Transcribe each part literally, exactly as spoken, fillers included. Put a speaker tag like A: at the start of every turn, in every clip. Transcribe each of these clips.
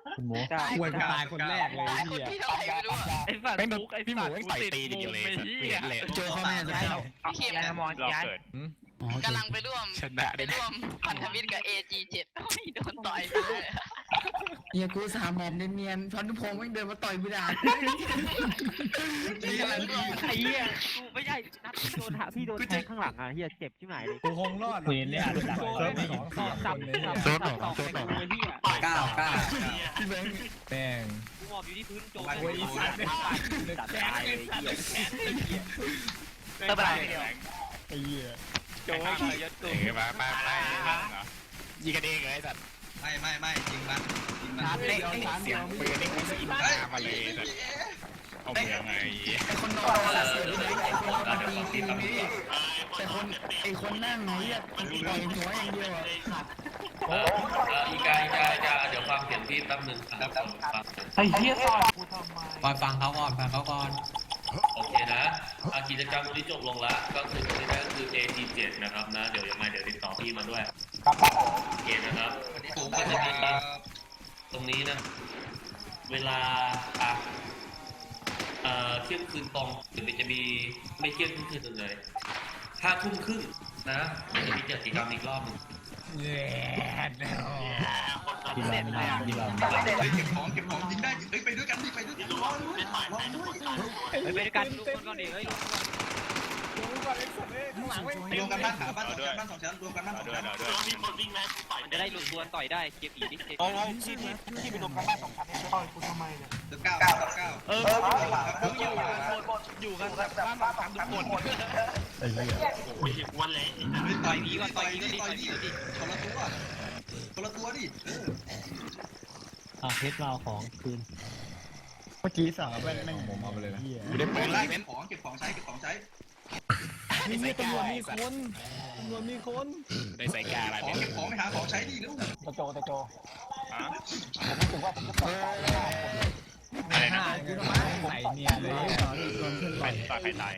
A: คุณหมูควรไปตายคนแรกเลยเฮีย
B: ที่เท่าไหร่ไม่รู้อะ
C: ไอ้สัตว์
D: ไม่
C: ฟุกไอ้
D: พี่หมู
C: สัตว์
D: ไม่
C: กู
D: ต่อย
C: ติด
D: ตีอย่างเดียวเลย
C: มุมไอ้เหี้ย
D: เลย
E: โจเข้ามาจะเข้า
B: พี่เข็ม
C: ยานมอน
F: รอ
C: ย้าย
F: เกิด
B: กำลังไปร่วม
D: ชนะ
B: ไป
D: ได้
B: ร่วมพันธมิตรกับ เอ จี เจ็ด ไม่โดนต่อยไปเลย
E: เฮียกูสามหมอบเนียนๆพันธุพงศ์ไม่เดินมาต่อยกูด่า
C: ไอ้เหี้ยกูไม่ใช่นัดพี่โดนหาพี่โดนแทงข้างหลังอ่ะเหี้ยเจ็บชิบหายเลย
A: กูคงรอดเห็นเนี่ยดักเซิร์ฟสองสาม
C: สั
A: ค
C: บ
A: นเลย
C: สั
A: เนี่ย
C: บสับสองในกูไอ้เหี้ย
E: ก้าวก้าวพี่แบงค์
A: แม่ง
C: กูหมอบอยู่ที่พื้นโจม
A: โอ้ยอีสัตว์
C: จัดตายเลยเหี้ย
F: ไม่เป็นไรเดียว
A: ไอ้เหี้ย
F: โจ้ยยศตู
D: เออมามามายิงกันเองเลยสัตว์
G: ไม่ไม่ไม่จริงนะจริงนะ
A: เดียวสาม
D: เสี
A: เดี
D: ย
A: ย
D: ง
A: ว
D: ปืนนี่คืออินตามาเลยสัตว์เอาเมืองไง
E: ไอคนนอนละเสียพี่แบงค์ไอคนนอนตีตีนี่แต่คนไอคนนั่งไงเฮียต่อยหัวอย่างเดียวอ่ะ
H: อีกาอีกาอีกาเดี๋ยวฟังเสียงพี่แป๊บนึงครับฟัง
F: ไอ้เหี้ยซอยกูทำไม
E: ก่อนฟังเขาก่อนฟังเขาก่อน
H: โอเคนะอากิจกรรมวันนี้จบลงแล้วก็คือวันนี้ก็คือ เอ ที เจ็ด นะครับนะเดี๋ยวยังไงเดี๋ยวติดต่อพี่มาด้วยโอเคนะครับ
G: ผม
H: ก็
G: ก็
H: จะ
G: จะ
H: มี
G: มี
H: ตรงนี้นะเวลาอ่ะเอ่อเที่ยงคืนตรงหรือมันจะมีไม่เที่ยงคืนเลยห้าทุ่มครึ่งนะมันจะมีกิจกรรมอีกรอบหนึง
A: เย้ดี
C: เด็
A: ลา
C: ด
A: ม
C: เลยอ่ะ
A: ดีลาม
G: เก็บของเก็บของยิงได้เฮ้ยไปด้วยกันดิไปด้วยกันรอด้วยรอด้วย
C: ไปไปด้วยกันทุกคนก่อนดิเฮ้ย
G: รวมกันบ้านขาบ้านสองชั้นบ้านสองชั้นรวมกันบ้านสอง
F: ด้วย
G: ชั้น
F: ด้วย
C: มันจะได้หลุดตัวต่อยได้เก็บอีกดิเก็บ
F: โอ้โหที่ที่ที่ไปลงกันบ้านสองชั้นให้ต่อยกูทำไมเนี่ย
G: สิบเก้าเก้าเก้า
C: เออมึงอยู่กันหมดอยู่กันแบบบ้านสามทุกคน
A: ไอ้เหี้ย
G: ต่อยนี้ก่อนต่อยนี้ต่อยนี้คนละตัวคนละตัวดิเออ
A: อ่ะเพชรเราของคืนเมื่อกี้สั่งแม่งแม่งผมเอาไปเลยนะเหี้ย
D: กูได้ปืนไล่
G: เก็
D: เม้
G: บ
D: น
G: ของเก็บของใช้เก็บของใช้
A: มีตำรวจมีคนตำรวจมีคน
D: ได้ใส่กาอะไร
G: ของ
D: เม้น
G: เก็บของไปหาของใช้ดิลูก
A: ตะโจตะโจ
F: อะไรนะ
A: กูทำไมใส่เนียเลยตอนโดนเพื่อน
F: ใคร
A: ต่อย
F: ตายใครตาย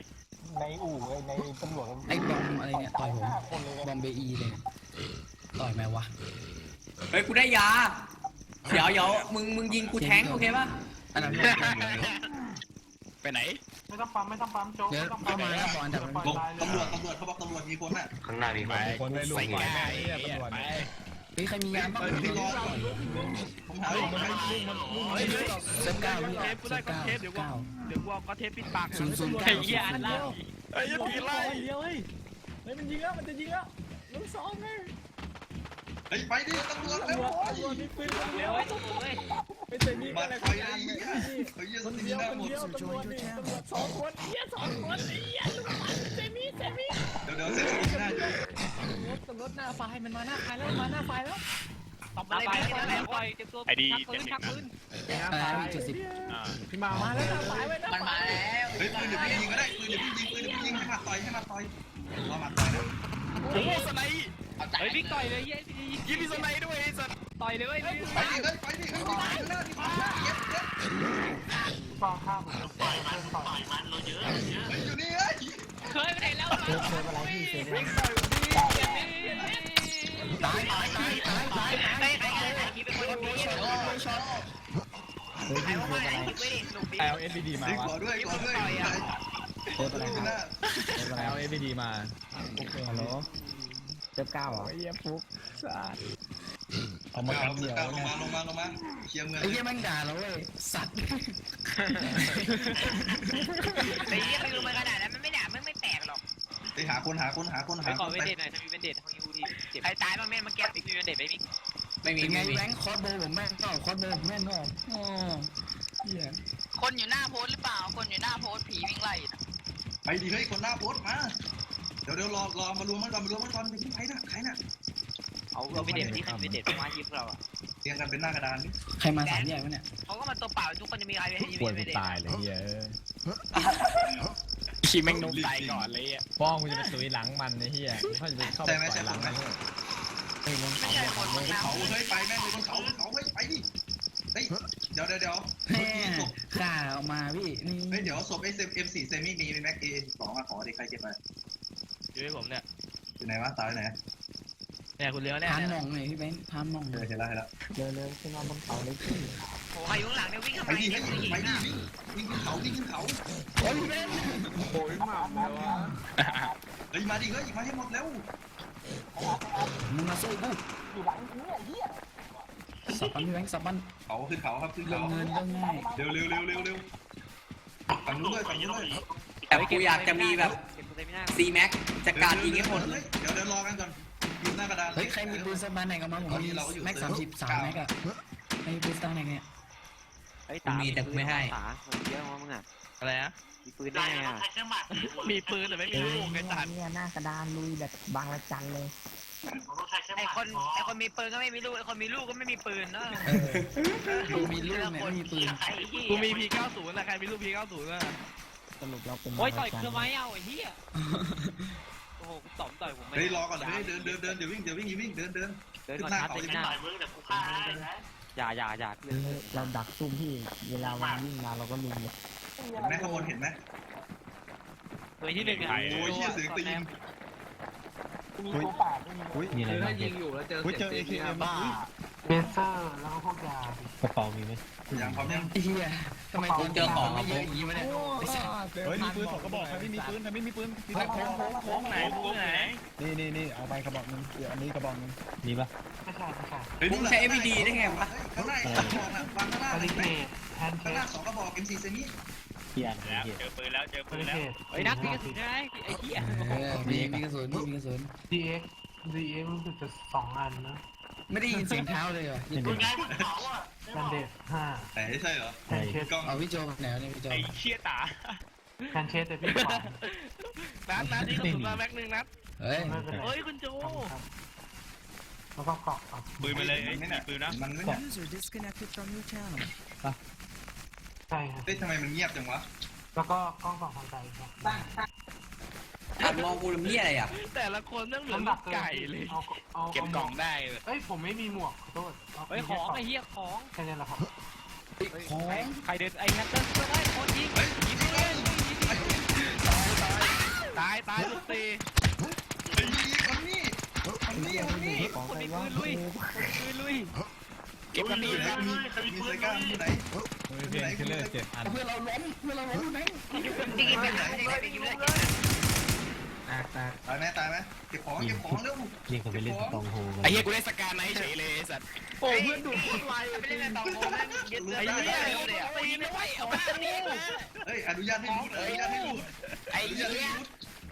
E: ไอบอมอะไรเนี่ยต่อยผมบอมเบอีเลยต่อยไหมวะ
I: เฮ้ยกูได้ยา เดี๋ยวเดี๋ยวมึงมึงยิงกูแทงโอเคป่ะ
E: อันนั้น
D: ไปไหน
F: ไม่ต้องปั๊มไม่ต้องปั๊มโจ้
E: เดี๋ยวเข้ามาแล้วบอลดับ
G: ลงตำรวจตำรวจเขาบอกตำรวจมีคนน่ะ
H: ข้างหน้ามี
D: ไป
A: คนได้ลูก
D: ใส่
A: หน่อย
D: กา
A: แม่
D: ไอ้
A: เหี้ย
D: เหี้ย
A: ตำรวจ
D: ไป
E: เฮ้ยใครมีงานบ้าง
G: พี่รอผมหาของใช้
C: เฮ้ย
E: เซิร์ฟเก้า
C: เทปกูได้ก็เทปเดี๋ยวกู
E: เก้า
C: เดี๋ยวกูเอาก็เทปปิดปาก
E: ศูนย์ศูนย์เก้า
C: ไอ้เหี้ยอันล่าง
D: ไอ้ยัยไล่
A: เดียวเฮ้ยเฮ้ยมันยิงแล้วมันจะยิงแล้วลูกสองไง
G: เฮ้ยไปดิตำรวจ
A: ตำ
G: เร็
A: ร
G: ว
A: วจตำรวจมีปืนคนเดี
C: เดี๋
A: ย
C: ยว วไอ้ตัวเว้ย
A: ไปเตะนี่
G: มา
A: อะไร
G: ไป
A: กัน
G: เลย
A: เนี่ย
G: เฮ้ย
A: คน
G: สติ
A: เดียว
G: หน้า
A: คน
G: หมด
A: เดียวตำรวจนี่ตำรวจสองคนเฮียสองคนไอ้เหี้ยลูกมันเซมิเซมิ
G: เดี๋ยวเดี๋ยวเสร็จหน้า
A: ตำรวจตำรวจหน้าไฟมันมาหน้าไฟแล้วมาหน้าไฟแล้ว
C: ตบมาเลยไปเลยไปเตรียมตัวชักปืนชักปืน
E: อะไรเจ็ดสิบ
F: อ่า
A: พี่มามาแล้วหน้าไฟไว้หน้า
B: มัน
A: ไฟ
B: มาแล้ว
G: เฮ้ยปืนเดี๋ยวพี่ยิงก็ได้ปืนเดี๋ยวพี่ยิงปืนเดี๋ยวพี่ยิงให้มาต่อยให้มาต่อยรอมาต่อยนะ
D: โอ้สไนด์
C: เฮ้ยพี่ต่อยเลยเย้
D: ยิงพี่สไนด์ด้วยไอ้สัตว์
C: ต่อยเลยเว้ย
G: ไปดิเฮ้ยไปดิเฮ้ยมาหน้าดิมาเย็บเย็บ
F: ฟังข้าวผมจะปล่อยมันปล่อยมันเราเยอะ
G: เฮ้ยอยู่นี่เฮ้ย
C: เคยไปไหนแล้ว
A: เซฟเซฟอะไรพี่เซฟอะไร
E: ตายตายตายตายตาย
B: ใครใครใครใครคิดเป็นคนดี
E: ช็อตช็อต
A: เฮ้ย
B: ใคร
A: พี่
B: ว่า
A: เซ
B: มา
A: ฟอะไร
B: คิดไว้ดิหนุ่มดี
A: แอลเอสบีดีมา
G: เฮ้ยว
A: ะ
G: ขอด้วยขอด้วย
A: เซฟอะไรครับเซฟอะไรแอลเอสบีดีมาโอเคฮัลโหลเซฟเก้าเหรอไอ้เหี้ยฟุกสะอาดเอามา
G: ล
A: ทำเดียว
G: ง
A: เนี่ย
G: มาลงมาลงมาเคลียร์เมือง
E: ไอ้เหี้ยมันด่าเราเว้ยสัตว์
B: ไอ้เหี้ยใครรู้มาขนาดนั้นมันไม่ด่ามันไม่แตกหรอก
G: ไปหาคนหาคนหาคน
C: ไป
G: หา
C: ข
G: ค
C: อน เวนเดทหน่อยถ้ามีเวนเดทของยูทีเจ็บ
B: ใครตายบ้างแม่มาแก้
C: มีเวนเดทไหมมิก
I: ไม่มี
E: เป็นไง
I: ไม่มี
E: แบงค์คอร์สโบผมแม่นก็คอร์สโบผมแม่นก็อ๋อเหี้ย
B: คนอยู่หน้าโพสหรือเปล่าคนอยู่หน้าโพสผีวิ่งไล่
G: ไปดิเฮ้ยคนหน้าโพสมา เดี๋ยวเดี๋ยวรอรอมารวมมันก่อนมารวมมันก่อนเป็นใครน่ะใครน่ะ
C: เอาเอาเวนเดทที่ใครเวนเดทมาทีมเราอ่ะ
G: เรียงกันเป็นหน้ากระดานนี่
E: ใครมาสามแยกวะเนี่ย
B: เขาก็มาตัวเปล่าทุกคนจะมีใครเป็น
A: ควรกูตายเลยเหี้ย
D: ขี่แม่งนมตายก่อนเลยอ่ะ
A: ป้องกูจะไปตุยหลังมันไอ้เหี้ยเขาจะไปเข้าไปต่อยหลังมันเฮ้ยมัน
B: ไม่ใช่คนบนน้
G: เขาเฮ้ยไปแม่งเลยบนเขาบนเขาเฮ้ยไปดิเฮ้ยเดี๋ยวเดี๋ยวเดี๋ยว
E: แม่ข่าออกมาพี่นี่
G: เฮ้ยเดี๋ยวศพ เอส เอ็ม สี่เซมิมีแม็กเอสองมาขอเด็กใครเก็บไป
C: อยู่ให้ผมเนี่ย
G: อยู่ไหนวะตายไหน
C: เนี่ยคุณเลี้ยวเนี่ย
E: พานมองหน่อยพี่แบงค์พานมอง
G: เออเห็นแล้วเห็นแล้ว
A: เร็วๆขึ้นมาบนเขาเลยพี่
B: โอ้ยอยู่ข้างหลังเนี่ยวิ่งเข้า
G: ไป
B: ไป
G: ดิ
B: เนี่ย
G: ไป
B: ผู้หญิง
G: ดิ
B: อ่ะ
G: วิ่งขึ้นเขาวิ่งขึ้นเขา
E: โอ้ยพี่แบงค์
F: โอ้ยหมาแล้ววะ
G: เฮ้ยมาดิเฮ้ยมาให้หมดแล้ว
E: มึงมาสู้กูสับปันพี่แบงค์สับปัน
G: เขาขึ้นเขาครับขึ้น
E: เรื่อ
G: เขา
E: งเงินเรื่องง่าย
G: เร็วเร็วเร็วเร็วเร็วฝั่งนู้นเลยฝั่งนู้นเลย
I: แต่กูอยากจะมีแบบซีแม็กจัดการยิงให้หมดเลย
G: เดี๋ยวเดี๋ยวรอกันก่อนยืนหน้ากระดาน
E: เฮ้ยใครมีปืนสักบ้านไหนก็มาผมมีแม็กสามสิบสามแม็กอะใครมีปืนสักไหนเนี่ย
I: กูมีแต่กูไม่ให้
C: ตาเยอะมากมึงอ่ะ
D: อะไรนะ
C: มีปืนได้ไงอ่ะ
D: มีปืนแต่ไม่มีลูกไอ้สัตว์
A: เนี่ยหน้ากระดานลุยแบบบางระจันเลย
B: ไอคนไอคนมีปืนก็ไม่มีลูกไอคนมีลูกก็ไม่มีปืนเนาะ
E: กูมีลูกเนี่ยไม่มีปืน
B: ไอ้เหี้ย
D: กูมี พี เก้าสิบ นะใครมีลูก พี เก้าสิบ นะ
A: สรุปเราเป็น
C: โอ้ยต่อยคือไม้เอาไอ้เหี้ยโอ้โหกูตอมต่อยผมไม่
G: เฮ้ยรอก่อนเฮ้ยเดินเดินเดินเดี๋ยววิ่งเดี๋ยววิ่งอย่าวิ่งเดินเดิน
C: เดินก่อนนะเดินหน้าอย่าอย่าอย่าเพื่อน
A: เราดักซุ่มพี่เวลาวันวิ่งมาเราก็ลุมเลย
G: เห็นไหมข้างบนเห็นไหม
C: ตัวที่หนึ่งอ่ะ
G: โอ้ยเชี่ยเสียงตีน
F: มีตัวแปดไม่มี
A: มีอะไรบ้าง
C: ยิงอยู่แล้วเจอ
A: เจอ เอ เค เอ็ม
C: บ้า
F: เบเซอร์แล้วก็พวกยาก
A: ระเป๋ามีไหม
G: อย่างพร้อมยัง
E: เฮียทำไมกูเจอของไม่เยอะอย่างนี้วะเนี่ย
A: เฮ้ยมีปืนสองกระบอกใครไม่มีปืนใครไม่มีปืน
D: โค้งโค้งโค้งไหนโค้งไหน
A: นี่นี่นี่เอาไปกระบอกนึงเดี๋ยวอันนี้กระบอกนึงมีปะ
F: ไม่ใช่ไม่ใช่
I: มึงใช้ เอฟ วี ดี ได้ไงวะ
G: ข้างหน้าสองกระบอกนะวางข้างหน้า
F: บ
G: เห็
F: ริ
G: นไห
F: เก
G: ม
F: ตแฮนด์เค
G: ข้างหน้า
F: ส
G: สองกระบอก เอ็ม สี่ เซมิ
A: เกียร์
D: แล้วเจอปืนแล้วเจอบ ปืน
F: ริ
D: แล้
F: เก
D: ว
F: ต
C: เฮ้ยนักตีกระสุนใช่ไหมไอ้เหี้ย
E: เออมีมีกระสุนมีกระสุน
F: ดีเอ็กดีเอ็กรู้สึกจะสองอันนะ
E: ไม่ได้ยินเสียงเท้าเลยเหรอ
F: แบนเดตห้า
G: แต่ใช่เหรอ
F: แฮนด์เคส
G: กล้อง
E: เอาพี่โจแนวนี่พี่โจ
D: ไอ้เชี่ยตา
F: แฮนด์เคสแต่พี่สอง
D: นัดนัดนี่กระสุนมาแม็กหนึ่งนัด
E: เฮ้ย
F: ไม่เป็นไร
D: เฮ้ยคุณโจ
F: แล้วก็เกาะครับ
D: ปืนมาเลย
G: ไม่
D: มี
G: น่ะ
D: ปืนนะ
G: มันไม่น่ะ
F: ใช่ครับ
G: เฮ้ยทำไมมันเงียบจังวะ
F: แล้วก็กล้องสองทางไกลครับ
I: หันมองกูทำเหี้ยอะไรอ่ะ
D: แต่ละคนต้องเหลือ
F: น้ำห
D: ลู
F: นัก
D: กไก่เลย
F: เอาเอา
D: เก็บกล่องได้เลย
F: เอ้ยผมไม่มีหมวกขอโทษ
C: เฮ้ยของไอ้เหี้ยของ
F: แค่นี้แหละครับ
E: ของ
C: ใครเดินไอ้แฮตเตอร์ช่วยได้คนยิงยิงเลย
D: ตายตายลูกตี
G: ไอ้นี่คนนี้คนนี้คนนี้
A: ของ
C: คน
A: ใคร
C: มี
A: วะ
C: ปืนลุยคนมีปืนลุย
D: เก็บกันดีนะ
G: มีมีไซก้าอยู่ไหน
A: เพื่อนคิลเลอร์เจ็ดอัน
E: เพื่อนเราล้มเพื่อนเราล้มไหม
B: จริงๆไม่ได้ไม่ได้ไม่ได้
A: แตกแตก
G: ตายไหมตายไหมเก็บของเก็บของเร็ว
A: ยิงเขาไปเล่นตองโฮ
D: ไอ้เหี้ยกูได้สการไหนเฉยเลยสัตว์
B: โอ้เพื่อนดูดโคตรไวไปเล่นในตองโฮแม่งยึดเลือด
D: ไอ้
B: ได้
D: เหี้ย
B: เลยอ่ะ
D: ตีไม่ไหวเอามานี่มา
G: เฮ้ยอนุญาตให้รูดอนุญาตให้รูด
D: ไอ้
G: อนุญาตให้
D: เหี้ย
G: รูด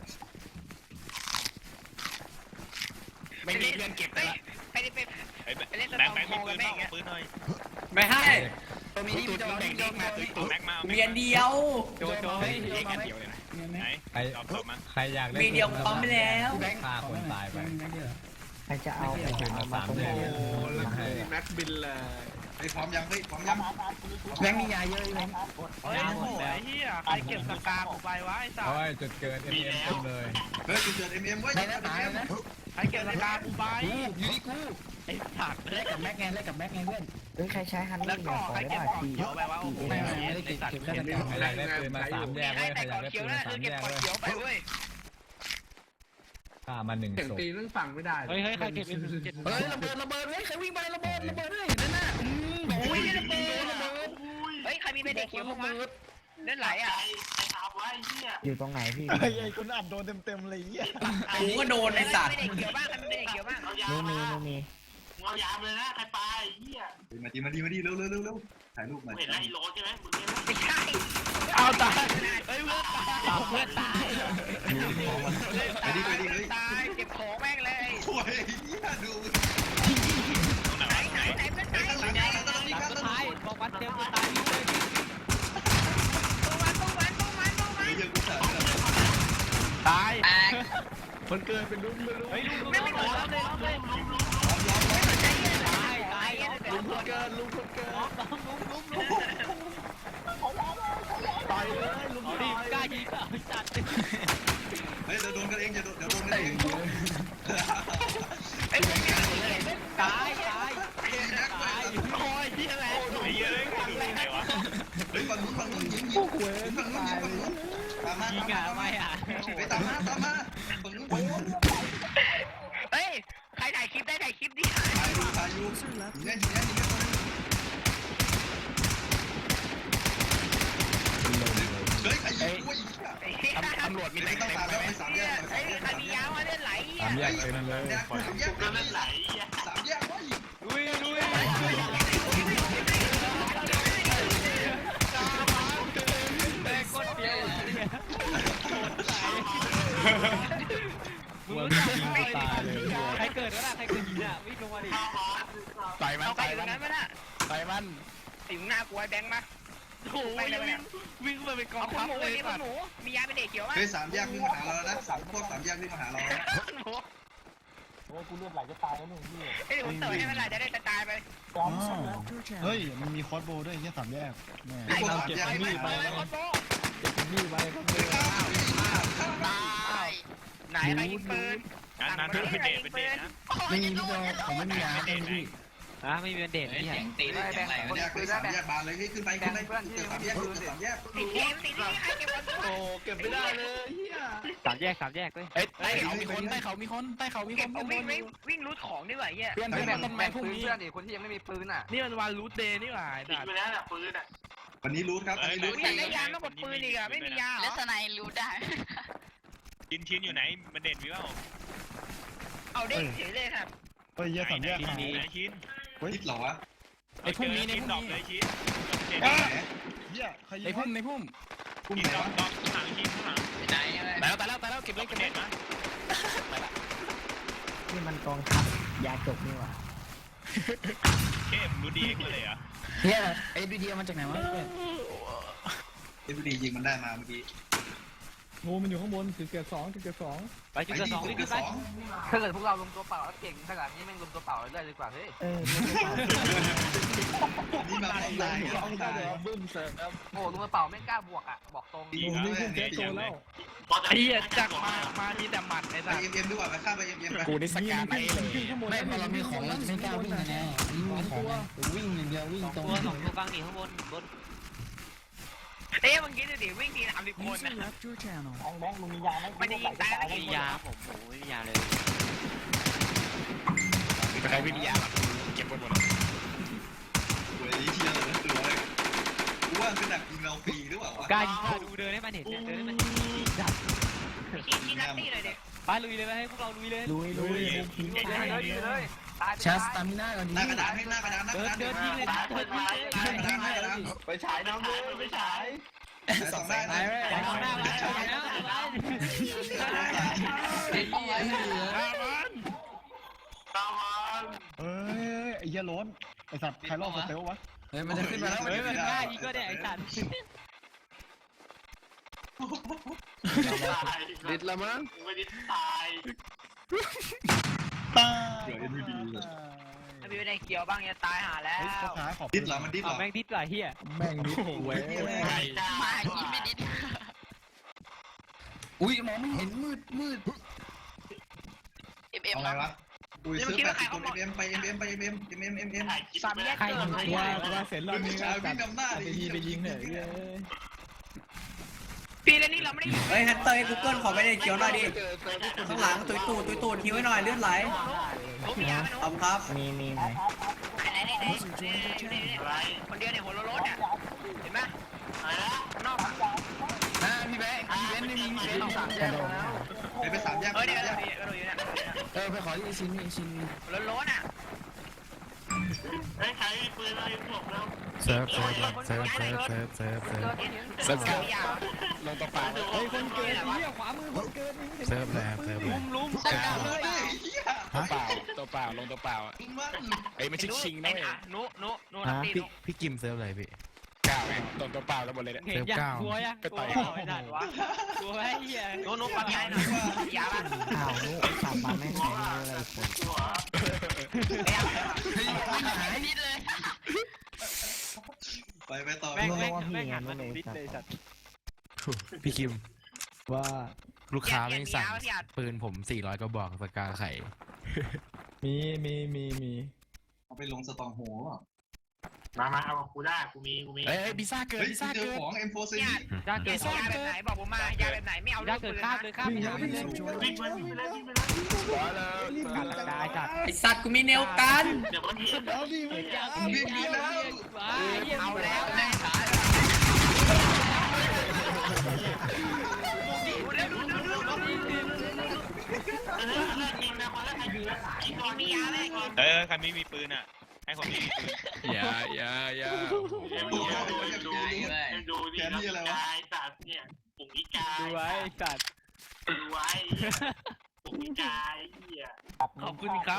D: ไม่มีเพื่อนเก็บ
B: ไป
D: ละ
B: ไปไป
D: ไอ้แบงค์แบงค์มีปืนบ้างปืนหน่อย
I: ไม่ให้
E: ตัวมี
D: ตุ้
E: พี่
D: ย
E: โจ
D: ตุ้ยแบ่ง
E: พี่โจ
D: เด็กมาตุ้ยตุ้ยแม็กมา
I: เมียนเดียว
D: โจโจเฮ้ยเด็กกันเดียวเลยนะไหน
A: ใคร
D: ตอบตอบมา
A: ใครอยากเล่น
I: มีเดียวปั๊มไปแล้ว
A: ฆ่าคนตายไป
E: แม็กเดียว
A: ใครจะเอาไปถึงมาสามเดือน
D: แม็กบินเลย
G: ไอ้พร้อมยังเฮ้ยพร้อมยัง
E: แม็กมียาเยอะแม็ก
D: เฮ้ยโอ้ยเฮียใครเก็บสกาผมไปวะไอ้สัต
A: โอ้
D: ว์
A: ยจุดเกิดเอ็มเอ็มเลย
G: เฮ้ยจุดเกิดเอ็มเอ็มไว้
E: ได้
G: จุด
E: นะ
G: เกิด
E: ตาย
G: เอ็ม
E: นะ
D: ใครเก็บสกาผมไป
E: กูอยู่ที่กู
D: ไอ้สัตว์
E: แลกกับแม็กไงแลกกับแม็กไงเพื่อน
A: เฮ้ยใครใช้ฮัน
D: แล้ว
A: นี่
D: ก็
A: เนี่ยขอ
D: ใคร
A: ได้
D: เก็บ
A: ป่ะ
D: ของ
A: ที
D: เขียวไปวะโอ้โห
E: ไม่ไม่ไม่ได้เก็บ
D: สัตว์
E: เก็บแค่ตะกร้า
A: ใครอยากได้ปืนมาสามแยก
B: ให้
A: เว้ยใคร
B: แต่
A: อยาก
B: ก่อน
A: ได้
B: เขี
A: ปื
B: ยวน
A: มา
B: นั่น
A: สา
B: คือ
A: ม แยกเว้ย
B: เก็บก่อนเขียวไปเว้ย
A: ฆ่ามาหนึ่งศพ
C: เฮ้ยเฮ้ยใครเก็บเอ็มเจ็ด
E: เฮ้ยระเบิดระเบิดเฮ้ยใครวิ่งไประเบิดระเบิดเลยนั่นน่ะอืมโอ้ยระเบิดระเบิด
B: เฮ้ยใครมีใบเด็กเขียวบ้างวะเล่นไหลอ่ะ
A: อยู่ตรงไหนพี่
E: ไอ้คุณอัดโดนเต็มเต็มเลยอ่ะ
I: กูก็โดนไอ้สัตว์
B: ใบเด็กเขียวบ้างใครมีใบเด็กเขียวบ้าง
A: นูมีนูมี
G: มาดีมาดีมาดีเร็วเร็วเร็วเร็วถ่ายรูปหน่อย
B: ไม่ใช่
D: เอาตายเฮ้ยเพื่อนตาย
B: เพื่อนตาย
G: ไปดิไปดิเฮ้ย
B: ตายเก็บของแม่งเลย
G: โอ้ยเหี้ยดู
B: ไหนไหนไหนเพื่อนตาย
G: ข้างหลัง
B: ไหน
G: ข้างหลังข้างหลัง
C: หลัง
G: ข้าง
C: สุด
G: หลั
C: ท้าย
G: ง
C: บอกวัดเจอคนตายนี่เลย
B: ตู้มันตู้มันตู้มันตู้มัน
G: เฮ้ยยังกูถ่ายเลย
D: ตาย
B: แตก
D: คนเกินเป็นรุ่นไม่รู้
C: เฮ้ยลุงลุงลุงลุงเลยลุงเลย
B: ไม่สนใจเหี้ยเลย
C: ตายตาย
B: ลุงคนเกิน
C: ลุงคนเกินลุงลุงลุงลุง
D: ต่อยเลยลุง
C: ดิกล้ายิงอ่ะจัด
G: เฮ้ยเดี๋ยวโดนกันเองอย่าโดนเดี๋ยวโดนกันเอง
B: ไอ้พวกนี้
C: ตายตาย
G: ตาย
D: คอยที่อะไรไอ้เยอะทำไงวะ
G: เฮ้ยฝั่งนู้นฝั่งนู้นยิงยิงฝั่งนู้นยิงฝั่งนู้นตามมา
C: ยิงอ่ะไม่อ่ะ
G: ไปตามมาตามมาฝั่งนู้นฝั่งนู้น
B: เฮ้ยใครถ่ายคลิป
G: อยู่ยิงได้ยิงได้ยิงได้เฮ้ยใครยิงกูอีก
D: ตำรวจมี
G: ไม่
D: แต่
G: ต้อง
D: เต็ม
G: ตาม
D: ไหม
G: แล้วไปสามแยก
B: เฮ้ยใครมียาวมาเล่นไหล
A: สามแยกเต็มเลย
G: สามแยกสามแยกไหลสามแยกว่าอีก
C: ลุยลุย
B: แต่กดเดียว
A: กลัวไม่ยิงกูตายเลย
C: ใครเกิดวะน่ะใครเกิดยิงอ่ะวิ่งลงมาดิ
D: ต่อยมัน
B: เอาไป
D: ต่อย
B: ตร
D: มัน
B: งนั้นไหมน่ะ
D: ต่อยมัน
B: สิงหน้ากลัวแบงค์มา
C: โอ้ยวิ่งมาเป็นกอ
B: เอา
C: ง
B: คุณ
C: ทัพ
B: หมู
C: เลย
B: นี่คุณหมูมียาเป็นเด็กเขียวมั้ย
G: เฮ้ยสามแยกวิ่งมาหาเราแล้วนะสามพวกสามแยกวิ่งมาหาเราแล้ว
F: โอ้กูเลือดไหลจะตายแล้วหนึ่งพี่
B: เฮ้ยผมเต๋อให้มันไหลจะได้ตายไป
F: พร้อมสุด
A: เฮ้ยมันมีคอสโบด้วยที่สามแยกแม่
G: ไอ้พวก
A: เรา
G: สาม
A: เก็บ
G: แยก
A: มี
G: วิ่
A: ด
G: ง
A: ไป
G: มา
A: แล้ว
G: แล้ว
A: เก็บมีดไปก็เ
B: ไหนใครยิงปืน
D: อันนั้นเป็นเดทเป็นเดทนะ
E: ไม่มีพี่โจผมไม่มียาเป็นพี่
C: อ่ะไม่มีเด็กนี่
I: ตีได้แบงค์
G: แยกไปสามแยกบานเลยขึ้นไปขึ้นไปเกิดสามแยกเกิดสามแยก
B: ติดเกมติดที่ใครเก็บบอล
A: โอ้เก็บไม่ได้เลยเฮีย
C: สามแยกสามแยกเลย
D: เอ้ยใต้เขามีคนใต้เขามีคนใต้เขามีค
B: เก็บ
D: น
B: เอาวิ่งวิ่งวิ่งรูดของดีกว่าเหี้ย
D: เพื่อนเพื่อนต้นไม้พวกนี้
C: นี่มันวันรูทเดย์นี่หว่า
F: ติดไปแล้วน่ะปืนอ่ะ
G: วันนี้รู้ครับวันนี้รู้
B: อยากได้ยาต้องกดปืนอีกอะไม่มียาเหร
J: แล้ว
B: อ
J: สไนรู้ได้
D: ชิ้นชิ้นอยู่ไหนมันเด่นวิว
B: เอาเด้งเฉยเลยครับ
A: เฮ้ยเฮียสามแยก
D: ชิ้น
A: หาย
D: นี้ชิ้น
G: คิดเหรอวะ
D: ไอ้พุ่มนี้ในพุ่มดอกเลยชิ้น
A: เฮียใครยิ
D: ใน
A: ง
D: พุ่มในพุ่ม
G: กุ้ง
D: ชิ้น
G: ไหน
D: ดอก
G: วะ
D: ดอกข้างหลังชิ้นข้างหลัง
I: ไหน
D: ตายแล้วตายแล้วตายแล้วเก็บเลยเก็บเลยมา
A: นี่มันกองทัพยาจกนี่หว่า
D: เข้มรู้ดีเองเลยเหรอ
E: เฮียไอ้บีดีมาจากไหนวะ
G: เอฟดียิงมันได้มาเมื่อกี้
A: งูมันอยู่ข้างบนจุดเกิดสองจุดเกิดสอง
C: ไปจุดเกิดสองรีบ
G: เกิด
C: ไป
G: สอง
F: ถ้าเกิดพวกเราลงตัวเปล่าแล้วเก่งขนาดนี้แม่งลงตัวเปล่าเลยดีกว่าเฮ้ย
A: เออ
G: นี่มาต้องตายต้องตาย
A: บึ้มเสร็จแล้ว
F: โอ้ลงตัวเปล่าไม่กล้าบวกอ่ะบอกตรง
A: โอ้นี่พุ่งแก๊สโตแล้ว
C: ไอ้เหี้ยจักมามามีแต่หมัดไอ้
G: ไป
C: สัส
G: เอ็มเอ็มดีกว่าไปข้ามไปเอ็มเอ็มไป
D: กูนี่สแกนไอ้เลย
E: ไม่พอเรามีของเราจะไม่กล้าวิ่งแน่ๆมีของวิ่งอย่างเดียววิ่งตรง
C: ตัวสองตัวกลางหนีข้างบนบน
B: เอ๊ะเมื่อกี้ดูดิวิ่งทีสามสิบคนนะ
F: แบงค์แบงค์มึงมียาไหม
B: ไม่ได้ยิงตายแล้ว
C: ไม่
B: ยิง
C: มียาผมโอ้ไม่มียาเลย
D: ใครไม่มียาเก็บหมดหมด
G: โอ้ยเชียร์เลยตัวเลยกูว่าเป็นดักยิงเราฟรีหรือเปล่าวะ
C: กล้ายิงดูเดินให้มันเห็นเนี่ยเดินให้มัน
B: ชี้ชี้นัตตี้เลยเด็ก
C: ไปลุยเลยไปให้พวกเราลุยเลย
A: ลุยลุยผี
F: เลยเลยเลยตาย
E: ชาสตามิน่าก่อนดี
G: หน้ากระดานให้หน้ากระดานหน้าก
C: เดิ
G: ระ
C: น
G: ดาน
C: เดินยิงเลยเดินยิงเลย
G: หน้ากระดานหน้ากระดาน
F: ไปฉายน้ำเลยไปฉาย
G: สองได้นะ
C: อย่าเข้าหน้ามาอย่าเข้าหน้ามา
A: เฮ้ยไอ้เหี้ยล้นไอ้สัตว์ใครรอบสเตลวะ
E: เฮ้ยมันจะขึ้นมาแล้ว
C: เฮ้ยมันกล้ายิงก็ได้ไอ้สัตว์
D: ดิดละมั้ง
F: ไม่ได้ตาย
A: ตาย
G: เดี๋ยวเอ็นวีดี
B: ถ้ามีได้เขียวบ้างจะตายหาแล้ว
A: เฮ้ยพ่อค้าขอบ
G: ดิดเหรอมันดิดเหร
C: เอา
G: อ
C: แม่งดิสไหลเฮีย
A: แม่งนิดเว้ย
J: มายิงไม่ดิด
E: อุ้ยมองไม่เห็นมืดมืด
J: เอ็มเอ็ม
G: เอาอะไรวะอุ้ยซื้อแปดสิบคนเอ็มไปเอ็มเอ็มไปเอ็มเอ็มเอ็มเอ็มเอ็มเอ็ม
B: สามแยก
A: ใคร
B: เกิ
A: ยิ
B: น
A: ง
B: เลย
A: ว่าว่าเสร็จรอบนี้ก็จัดไปทีไปยิงเนี่ยเฮ้ย
B: ปีแล้วนี่เราไม่ได้ยิง
I: เฮ้ยฮันเตอร์กูเกิลขอไปได้เขียวหน่อยดิข้างหลังตุยตูดตุยตูดคิวให้หน่อยเลือดไหล
B: โน้มียาไหม
I: ขอบครับ
A: มีมีไหม
B: ไหนไหนไหนคนเดียวเนี่ยหัวโล้นเนี่ยเห็นไหมนอก
E: อ่าพี่แบงค์พี่เบนซ์ไม่มีพี่เบนซ์ต้องสั่ง
A: กระโดด
G: ไปไปสามแยก
B: เออ
G: สาม
B: เนี่ย
G: แยก
B: กระโดดอยู่เนี่ย
E: เออไปขอที่ชิ้นนี้ชิ้น
B: หัวโล้นอ่ะ
F: เฮ้ยใครมีปืนอะไรบอกแล้ว
A: เซิร์ฟเซิร์ฟเซิร์ฟเซิร์ฟเซิร์ฟเซิร์ฟเซิร์ฟ
B: เซิร์ฟเซิร์ฟยา
D: ลงตัวเปล่า
A: เฮ้ยคนเกิดเหี้ยขวามือคนเกิดเซิร์ฟแล้วเซิร์ฟแล้ว
C: ลุม
G: เฮ้ยเฮีย
D: ตัวเปล่าตัวเปล่าลงตัวเปล่า
G: มัน
D: ไอ้ไม่ใช่ชิงนะ
B: ไอ้
D: เว้ย
B: อ่ะนุนุนุนัตตี้นุ
A: พี่กิมเซิร์ฟอะไรพี่
D: ก้าวแม่งตรงตัวเปล่าแล้วหมดเลยเนี่ย
C: เห็นยังกลัวยังกลัวไอ้สัตว์วะกลัวไอ้เหี้ย
B: นุนุปั๊มยาหน่อยยาบ้าง
A: อ้าวนุสับมาแม่งไหนอะไรคน
E: เฮ้ยไม่หาย
J: ดิดเลย
G: ไปไปต่อ
C: แม่งแม่งแม่งหันมาดิสเลยสัตว์
A: พี่คิมว่า
B: ลูกค้าไม่สั่ง
A: ปืนผมสี่ร้อยก็บอกสกาไข่มีมีมีมี
G: เอาไปลงสตองโห
F: มามาเอากูได้กูมีกูมี
D: เฮ้ยพิซซ่าเกิน
G: เฮ้ย
D: พิซซ่า
G: เจอ
D: เกิน
G: ของ เอ็ม โฟร์ ซี
B: เนี่ย
C: ยาเกิ
B: เกิ
C: ด
B: ดยาแบบไหนบอกผมมายาแบบไหนไม่เอา
C: ยาเกิดข้ามเลยข้ามไปเลย
F: วิ่งไปวิ่งไปเลยวิ่งไปเลย
C: การกระจายจัด
I: ไอสัตว์กูมีแนวกัน
F: เดี๋ยวมันมี
G: มีมีแล้ว
B: เอาแล้วแม่ขาดูแล้วดูดูดูดูมียาไหม
D: เออใครไม่มีปืนอ่ะให้คนที่มีปืนอย่าอย่าอย่า
F: ดูดูดูดูดิกายสัตว์เนี่ยปุ่งอีกาย
C: ดูไว้จัด
F: ดูไว้ปุ่งอีกายเหี้ย
C: ขอบคุณครับ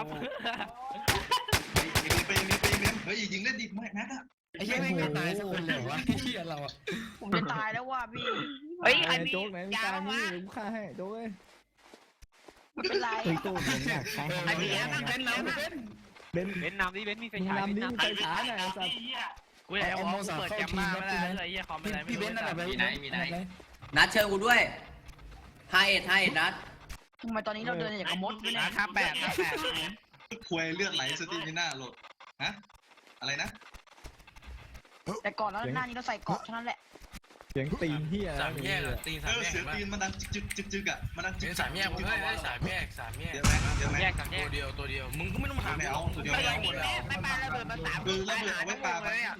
G: มีไปมีไปมีเฮ้ยยิงเล่นดิแม็กอะ
E: ไอ้เหี้ยไม่ตายสักคนเลยวะไอ้เหี้ยเราอะ
B: ผมจะตายแล้วว่ะพี่เฮ้ยใครมี
A: โจ๊กไหนมี
B: ยา
A: การ
B: บ้าง
A: นี่
B: วะ
A: ผมฆ่าให้โจ๊กเลย
B: ไม่เป็นไร
A: ตุ้ยตู้ผมอยากใช้
B: ไอ้เบียร์นั่งเล่นแล้วนะ
A: เบน
C: เบนนำดิเบนมีไฟ
A: มึง
C: ฉาย
A: นำ
C: เบน
A: นี่
C: นำ
A: ใส่ขาหน่อยสัตว์
C: กูอยากเอาเปิดแกมมาไม่ได้เลยเฮียคอมไม่ได้
E: พี่เบนซ์อะไรไปมีไหนมีไหน
I: นัดเชิญกูด้วยห้าเอ็ดห้าเอ็ดนัด
B: ทำไมตอนนี้เราเดินอย่างกับมดไม่ได้
C: ห้าแปดห้าแปด
G: ควยเลือดไหลสติมิน่าโหลดฮะอะไรนะ
B: แต่ก่อนแล้วหน้านี้เราใส่เกาะเท่านั้นแหละ
A: เสียงตีนเฮียอะไร
E: สามแยกตีน
G: เอ
E: สาม
G: อ
E: แยก
G: เสียงตีนมันดังจึกจึกจึกอะมันดังจึก
E: เป็นสามแยกผมเลยสามแยกสามแยก
G: เดี๋ยวไหมเดี๋ยวไหม
C: แยกกับแย
E: ตัว
C: ก
E: เดียวตัวเดียวมึงก็ไม่ต้องถาม
G: ไม่เอาตัวเดียว
B: ไม่
G: ไม่
B: ได้
G: เอาหมดแล้ว
B: ไม่ปาระเบิดมาสามลูกตายหาทั้งวงเลยอะ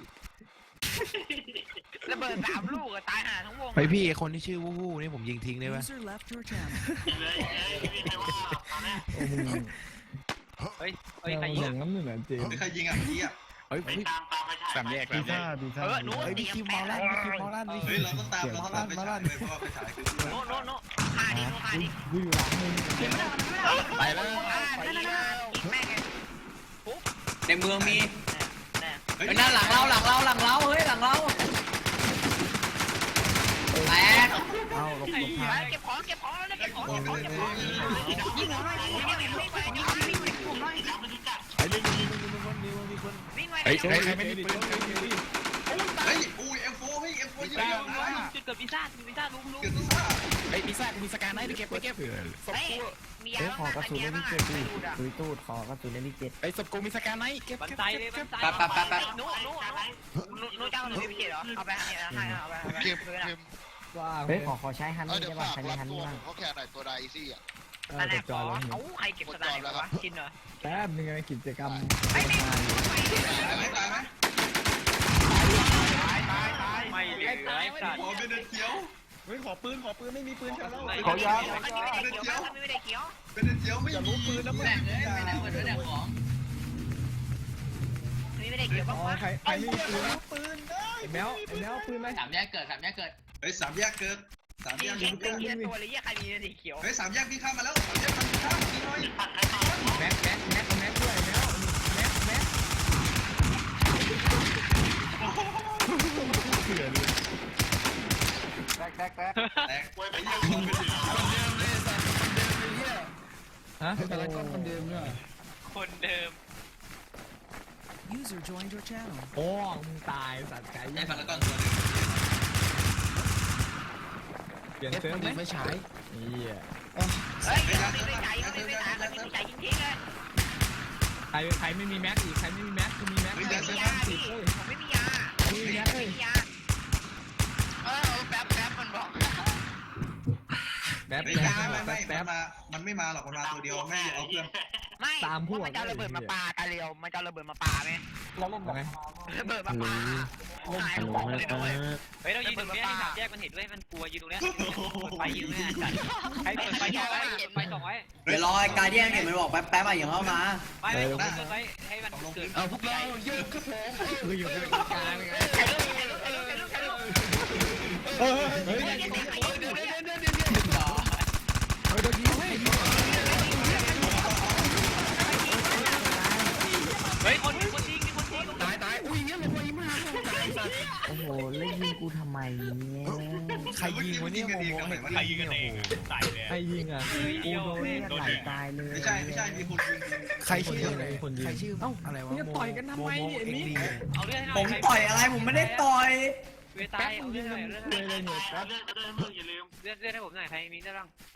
B: ระเบิดสามลูกอะตายหาทั้งวง
D: ไปพี่คนที่ชื่อวู้วู้นี่ผมยิงทิ้งได้ป่ะ
F: เลยเลยไม่ใครว่าตอนแรก
A: โอ้มึง
C: เฮ้ยเฮ้ย
A: เรา
C: ใคร
A: ห
C: ยิ
A: ล
C: ง
A: งน้ำหนึ่งอ่ะเจม
G: ใครยิงอ่ะเมื่อกี้อ่ะ
D: เฮ้ย
F: ไปตามตามไปถ่าย
D: สามแยก
A: ปี
D: สามแย
A: ซ่าก ปีซ่า
B: เออหนู
D: เฮ้ยพี่คิวมอลั่นพี่คิวมอลั่นพี่
G: เฮ้ยเราต้องตามเราต้องตามไปฉายเลยเพราะว่าไปฉายคือ
B: โน้โน้โน้หาดิโน้หาดิ
A: กูอยู่หลังมึง
D: ไปแล้ว
B: อ่านั่นนั่นอีกแม่งไง
I: ในเมืองมี
B: แน่
G: เฮ้ย
I: เฮ้ยนั่นหลังเราหลังเราหลังเราเฮ้ยหลังเราแตก
A: เอาหลบหลบทาง
B: เก็บของเก็บของแล้วเก็บของ
G: โอ้
B: เก็บ
G: ย
B: ของเก็บของยิงหัวหน่อยยิงหัวหน่อยยิงไปยิงไปยิงไปผมหน่อย
A: ไอ้นี่มีมีมีคนมีคนมีคน
B: วิ่งไป
D: เฮ้ย
B: เดี๋ยว
D: ใครไม่มีปืน
G: เฮ้ยอุ้ยเอ็มโฟเฮ้ยเอ็มโฟยิงเยอะนะ
C: จุดเกิดพิซซ่าพิซซ่าลุงลุง
G: เกิดที่ซ่า
D: ไอ้พิซซ่ากูมีสการไนท์ไปเก็บไปเก็บ
B: เฮ้ยมียา
A: เฮ้ยขอ
B: บ้าง
A: กระสุน
B: มี
A: เล
B: ยาย บ้า
A: นี่
B: ง
A: เจ็ด
B: อ่ะ
A: ดิ
B: ดูดอ่ะ
A: ตุยตูดขอกระสุนเลยนี่เจ็ด
D: ไอ้ศพกูมีสการไนท์เก็บ
C: บัน
D: เก็บ
C: ไดเลยบันได
I: ปั๊บปั๊บปั๊บปั๊บ
B: หนูหนูหนูหนูเจ้าหนูไม่เจ็ดเหรอเอาไปให้ให้เอาไปเอาไป
K: เกมเกม
A: ว้า
E: เฮ้ยขอขอใช้ฮัน
K: เออ
E: นี่
K: เดี๋ยว
E: ได้ป่ะ
K: ฝาก
E: ใครมี
K: รับ
E: ฮัน
K: ตัว
E: นี่บ้าง
K: ผมเขาแค่ไหนตัวไดซี่อ่ะ
B: อันไหน
A: กด
B: ข
A: จ
B: อ
A: อยแล้ว
B: เอาใครเก็บสไตล์วะกินเหรอ
A: แป๊บนึงไงกิจกรรม
B: ไม่ไม่
G: ตายไหมตายไหม
B: ตายตายตาย
C: ไม่เหลือไอ้สัตว์
G: ขอเป็นเขียว
A: เฮ้ยขอปืนขอปืนไม่มีปืนใช่แล้ว
B: ขอยาไม่ได้เขียวไม่ได้เขียว
G: เป็นเขียวไม่มีปืนแล้วมึง
B: นี่ไม่ได้เขียว
A: อ๋
B: บ้าง
A: อ
B: วะ
A: ใครใครไม่มีปืนปืนไอ้แมวไอ้แมวปืนไหม
I: สามแยกเกิดสามแยกเกิด
G: เฮ้ยสามแยกเกิดสาม
B: ยิ
G: แย
B: ง
G: ก
B: ยิงตัวเขียวตัวเลยยี่ใครมีสีเขียว
G: เฮ้ยสามแยกพี่ข้ามมาแล้วสามแยกมันข้ามพี่น้อย
A: แม็กแม็กแม็กแม็กด้วยแมวแม็กแม็กเถื่อนเลย
G: แตกไอ้เหี้ยคนเป็น
A: ฮะ
E: แต่ละก้อนคนเดิมด้วย
C: คนเดิม
A: โอ้มึงตายสัตว์ไก่
G: ไอ้พารากอนตัวนึง
A: เปลี่ยน
E: เอฟ
A: เซิร์ฟ
E: คน
A: ไหม
E: ดีไม่ใช้
A: เฮีย
B: เฮ้ยไม่ไม่ใจไม่ไม่ใจไม่ไม่ใจยิงทิ้งเลย
A: ใครใครไม่มีแม็กอีกใครไม่มีแม็กคือมีแม็ก
G: เฮ้ย
A: ไม่
G: เดี๋ยว
A: มี
G: เชิญ
B: มี
G: นะ
B: ยาพี่ผมไม่มียา
A: แม็ก
B: ไม่
A: เอ้ย
B: มียาเออแป๊บแป๊บมันบอก
A: แป๊บ
G: เฮ้ย
A: แป๊
G: ยา
A: บ
G: ไม่ไม่
A: แป๊บ
G: มันมามันไม่มาหรอกมันมาตัวเดียวไม่เอาเพื่อน
B: ไม่มันจะระเบิดมาปาตาเรียวมันจะระเบิดมาปาไหม
F: เราเล่นแบบ
B: ระเบิดมาปาหายของเลยนะเว้ย
C: เฮ้ยเรายืนตรงนี้ที่สามแยกมันเห็นด้วยมันกลัวยืนตรงนี้ไปยืนเนี่ยจัดใครเปิดไฟสองไว้เปิดไฟสองไว้
I: เดี๋ยวรอไอ้การเดียนเห็นมันบอกแป๊บแป๊บอ่ะอย่างเข้ามา
C: ไม่ไม่ผมเปิดไฟให้มันเกิด
E: เอาพวกเราเยอะครับผม
A: คืออยู่ในกลางไง
B: ใครลูกใครลูกใครลูกใครลูกใครลูก
A: เฮ้ยเฮ้ย
B: เฮ้ย
A: เฮ้ย
B: เดี๋ยวเดี๋ยวเดี๋ยวเดี๋ยวเดี๋ยว
A: เดี๋ยวยิงให้
C: เฮ้ยคนคนจริงมีคนจริง
E: ตายตายอุ้ยเงี้ยเลยพอยิ้มหาตายสัตว์โอ้โหเล่นยิงกูทำไมเนี่ย
A: ใครยิงวะเนี่ยงงๆ
D: ใครยิงกันเองตายเลย
A: ใครยิงอ่ะ
E: กูโดนเลือดไหลตายเลย
G: ไม่ใช่ไม่ใช่มีคนยิง
A: ใครชื่ออะไรคนยิง
E: ใครชื่อเอ้าอะไรวะ
A: มึงจะต่อยกันทำไมเนี่ยไอ้นี่
C: เอาเรื่องให้หน่
I: ผ
C: อย
I: มต่อยอะไรผมไม่ได้ต่อย
C: เวตายเอาเรื่องให้หน่อยเรื่อง
A: เลยเลยเนี่ยแป๊บ
F: เรื่องเรื่องมึงอย่าลืม
C: เรื่องให้ผมหน่อยใครมีได้บ้าง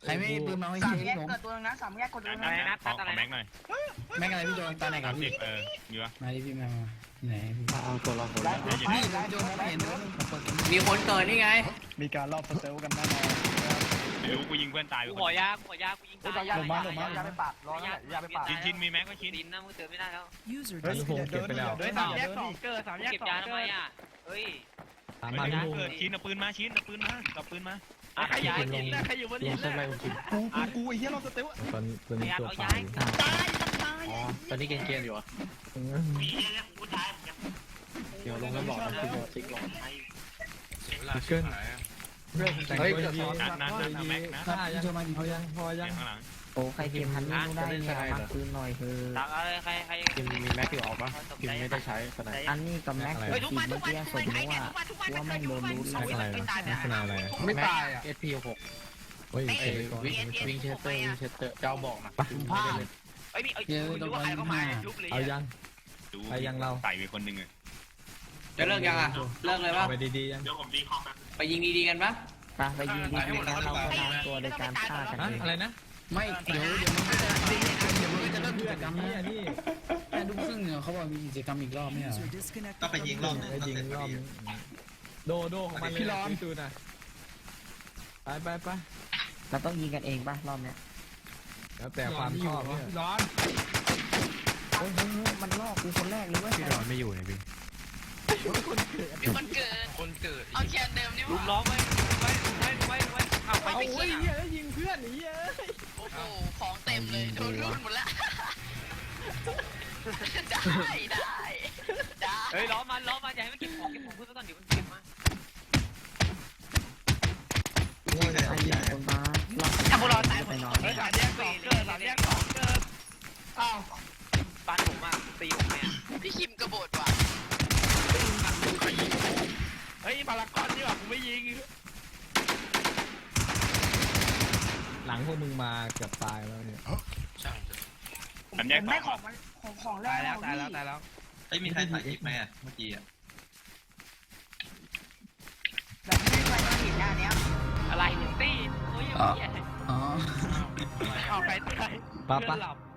E: ใครไม่มีปืนมาไว้
B: สาม
E: เช็
B: แย
E: ค
B: ก
E: ผม
B: เกิดตัวนึงนะสามแยกกดตัวนึง
C: อะไร
B: นะ
C: นะ
D: ขอ
C: ตัดอะไร
D: แม็กหน่อย
E: แม่งอะไรพี่โดนตาไหนกั
D: สา
E: บ
D: มสิ
E: พี่
D: บเออมีปะ
E: มาดิพี่มาไหนพี่
A: เอาตัวเรา
E: พี่โดนไม่เห็นเลย
I: มีคนเกิดนี่ไง
A: มีการรอบสเตลกันแน่นอน
D: ไม่รู้กูยิงเพื่อนตายไป
C: กู
D: ค
C: ขอน ยากูขอยากูยิงตาย
B: ยาไปปาดยาไปปาดร้อนยาไปปาด
D: ชิ้นชิ้นมีแม็กก็ชิ้น
C: ดินนะมึงเตือนไม่ได้แล้ว
A: เฮ้ยผมเก็บไปแล้ว
C: เฮ้ยสามแยกสองเกิดสามแยกสองเก็บยาทำไมอ่ะเฮ้ย
A: สาม
D: ไม่
A: พัน
D: ได้
A: ลูก
D: เกิดชิ้นเอาปืนมาชิ้นเอาปืนมาเอาปืนมา
C: อ่ะขยายดินนะใครอยู่บน
A: ล
C: ดิ
A: ง
C: น
A: เส้นไร
C: นะ
A: ผมกิน
G: กูกูกูไอ้เหี้ยเราสเตล
A: ตอนตอนนี้ตัว
C: เอา
A: ปลา
C: ย้าย
A: อ๋อตอนนี้เกมเกมอยู่อ่ะ
F: มีเรื่องผู้ชายเหมือนกัน
A: เดี๋ยวลงแล้วบอกนะคือบอกติ๊กลง
D: เกิน
A: เรื่องแต่งตัวดี
D: นั่นนั่นนั่นเอาแม็กนะ
A: ถ้ายังเอายังพอยัง
D: ข้างหลัง
A: โอ้ใครเกมพันไม่ได้เนี่ยมาคืนหน่อยคือ
C: ตักอะไรใครใคร
A: กิมมีแม็กอยู่ออกปะกิมไม่ได้ใช้ขนาดอันนี้กับแม็ก
C: เฮ้ยทุกวันทุกวันทุกวันใครเนี่ยทุกวันทุกวันไม่โดนรู้อะไรไม่ตายเนี่ย
A: ขนาดอะไรไม่ตายอ่ะ เอส พี หกเฮ้ยวิ่งเชสเตอร์วิ่งเชสเตอร์เจ้าบอกนะไม่ได้เลย
C: เฮ้ยมีเอ้ยรู้ว่าใครเข้ามาลุกเลย
A: เอายัง
D: ดู
A: ไปยังเรา
D: ใส่ไปคนหนึ่งอ่ะ
I: จะเลิกยังอ่ะเลิกเลยป่ะ
A: ไปดีๆยัง
F: เดี๋ยวผมดีคอมนะ
I: ไปยิงดีๆกันปะ
A: ไปยิงดีๆกันเราตามตัวในการฆ่ากันเองอะไรนะ
E: ไม่เดี๋ยวเดี๋ยวมันก็จะเดี๋ยวมันก็จะเริ่มกิจกรรม
A: นี่
E: นะ
A: นี่
E: แค่ดูครึ่งเนี่ยเขาบอกมีกิจกรรมอีกรอบเนี่ย
G: ก็ไปยิงรอบนึง
A: ไปยิงรอบโดโดของมันเลยพี่ร้อนดูนะไปไปไป
K: เราต้องยิงกันเองป่ะรอบเนี้ย
A: แล้วแต่ความชอบเนี่ย
E: ร้อน
K: โอ้ยเฮ้ยเฮ้ยมันลอกกูคนแรกเลยเว้ย
A: พี่ร้อนไม่อยู่เนี่ยพี่
J: มีคนเกิด
C: คนเกิดคนเกิด
J: เอาแคนเดิมนี่
C: ลุ
J: วะ
C: มล้อมไว้ไว้ไว้ไว้ไว้เอาไป
A: เอา
C: ไป
A: โอ้ย
C: เกี่ย
A: เหี้ยยิงเพื่อนนี่เอ้ย
J: โอ้โหของเต็มเลยโดนรุ่นหมดละได้ได้ได้
C: เฮ้ยล้อมันล้อมันอย่าให้มันเก็บของเก็บของเพื่อนก่อนเดี๋ยวมันเก็บมา
K: โอ้ยใครยิงคนมาลอก
B: ถ้าพวกเราตายหม
K: ไป
B: ด
K: นอน
C: เฮ้ยสามแยกสองเกิดสามแยกสองเกิดอ้าวบ้านผมอ่ะตีผมเนี่ย
J: พี่คิมกระโดดว่ะ
C: เฮ้ยพารากอนนี่หว่าผมไม่ยิง
A: หลังพวกมึงมาเกือบตายแล้วเนี่ย
D: สามแยกส
B: ได้
D: อง
B: ของมันของของแร
C: ตาย
B: ก
C: แล้วตายแล้วตายแล้ว
G: ไอ้มีใครถ่ายคลิปไหมอ่ะเมื่อกี้อ่ะ
B: แบบไม่ได้ไปเห็นหน้าเนี้ย
C: อะไรหนึ่งตีโอ้ย
E: อ๋อ
C: เหี้ย
E: อ๋อ
C: เอาไปไป
A: ป้า
C: เพื่
A: ป้า
C: อนหลับ